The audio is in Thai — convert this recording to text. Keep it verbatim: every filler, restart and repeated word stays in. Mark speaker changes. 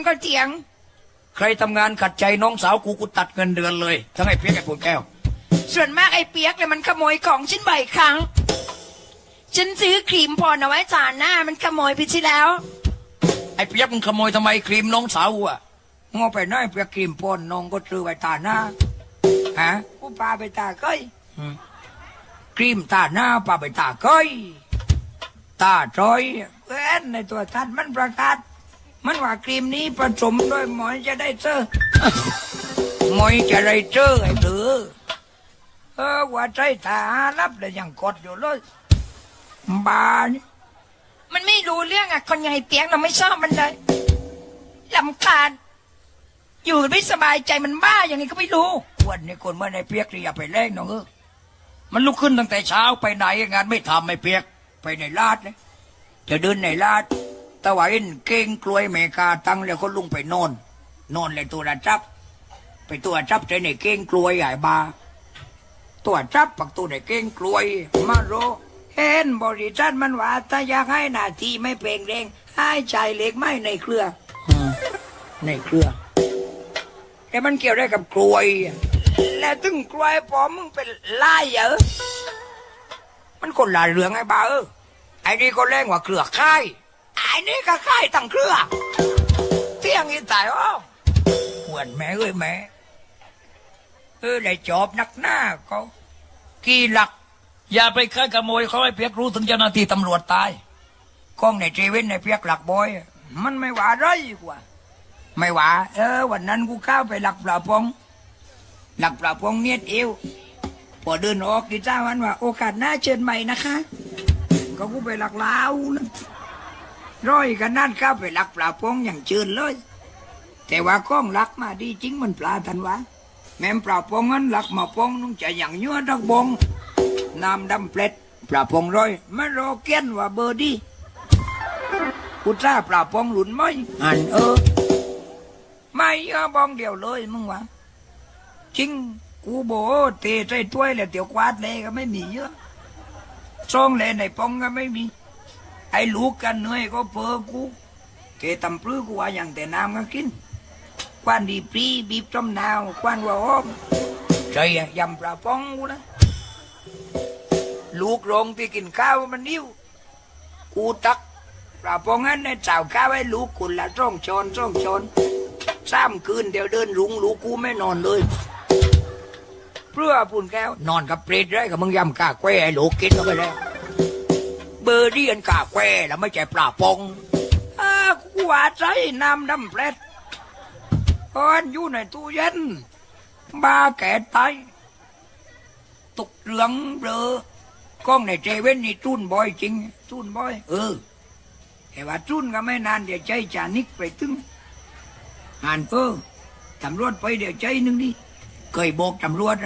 Speaker 1: ก็เถียงใครทำงานขัดใจน้องสาวกูกูตัดเงินเดือนเลยทั้งไอ้เปียกไอ้ปูนแก้วส่วนมากไอ้เปียกเลยมันขโมยของฉันบ่อยครั้งฉันซื้อครีมพรเอาไว้จานหน้ามันขโมยไปที่แล้วไอ้เปียกมึงขโมยทำไมครีมน้องสาวอ่ะงอไปน้อยเปียกครีมพรน้องก็ซื้อไว้ตาหน้าฮะกูปาไปตาเก้ยครีมตาหน้าปาไปตาเก้ยตาจอยเว้นในตัวทัดมันประกาศมันว่าครีมนี้ผสมด้วยหมอยจะได้เจอหมอยจะได้เจอไอ้เธอเออว่าใจตารับเลยยังกดอยู่เลยบานี่มันไม่รู้เรื่องอ่ะคนใหญ่เปียกเราไม่ชอบมันเลยลำคาญอยู่ไม่สบายใจมันบ้าอย่างนี้ก็ไม่รู้วันนี้คนเมื่อในเปียกนี่อย่าไปเล่นน้องเออมันลุกขึ้นตั้งแต่เช้าไปไหนงานไม่ทำไม่เปียกไปในลาดเลยจะเดินในลาดตะวันเก่งกลวยเมกาตั้งแล้วก็ลุงไปนอนนอนเลยตัวระจับไปตัวจับใจในเก่งกลวยใหญ่บาตัวจับปักตัวในเก่งกลวยมาโรเห็นบริษัทมันว่าถ้าอยากให้หน้าที่ไม่เปล่งเร่งให้ใจเล็กไม่ในเครือในเครือแต่มันเกี่ยวได้กับกลวยแล้วตึงกลวยพอมึงเป็นลายเหรอมันคนละเรื่องไอ้บ้าเออไอ้นี่ก็แรงกว่าเครือค่ายไอ้นี่ก็ค่ายตั้งเครือเที่ยงอีตายอ้อหวนแม่เอ้ยแม่เออได้จอบนักหน้าก็กี่หลักอย่าไปค้าขโมยเขาให้เพียกรู้ถึงเจ้าหน้าที่ตำรวจตายกล้องในเจเว่นในเพียกหลักบอยมันไม่ว่าไรกว่าไม่ว่าเออวันนั้นกูเข้าไปหลักปลาพงหลักปลาพงเนียดเอวพอเดินออกดิจ้าวันว่าโอกาสหน้าเชิญใหม่นะคะก็กูไปหลักลาวนะร้อยกันนั่นเข้าไปหลักปลาพงอย่างเชิญเลยแต่ว่ากล้องหลักมาดีจริงมันปลาทันวะแม่ปลาพงนั้นหลักมาพงนุ่งจะอย่างยั่วทักบงน้ำดำเปล็ดปลาพงร้อยไม่รอเกี้ยนว่าเบอร์ดีกูจ้าปลาพงหลุนไม่อันเออไม่เออบองเดียวเลยมึงวะจริงกูโบเตะใจถ้วยแล้วเตี๋ยวควาดเลยก็ไม่มีเยอะซองเลยในปองก็ไม่มีไอ้ลูกกันเหนื่อยก็เพอกูเกตำปลื้อกูว่าอย่างแต่น้ำก็กินควันดีปรีบีบจมนาวควันว่าอ้อมใจยำปลาพงกูนะลูกโรงที่กินข้าวมันนิ้วกูตักปลาพงนั้นในเจ้าข้าวให้ลูกกุนละจ้องชอนจ้องชอนสามคืนเดี๋ยวเดินรุงลูกกูไม่นอนเลยเพื่อปุ่นแก้วนอนกับเปรตได้กับมึงยำกาแควไอ้ลูกกินเข้าไปแล้วเบอร์ดี้อันกาแควแล้วไม่ใช่ปลาพงอ้ากูว่าใจน้ำดำเปรตก้อนอยู่ในตู้เย็นบ้าแก่ตายตกเหลืองเบลอกล้องในเจเว่นนี่จุนบ่อยจริงจุนบ่อยเออแต่ว่าจุนก็ไม่นานเดี๋ยวใจจานิกไปตึงอ่านเออตำรวจไปเดี๋ยวใจนึงดิเคยบอกตำรวจ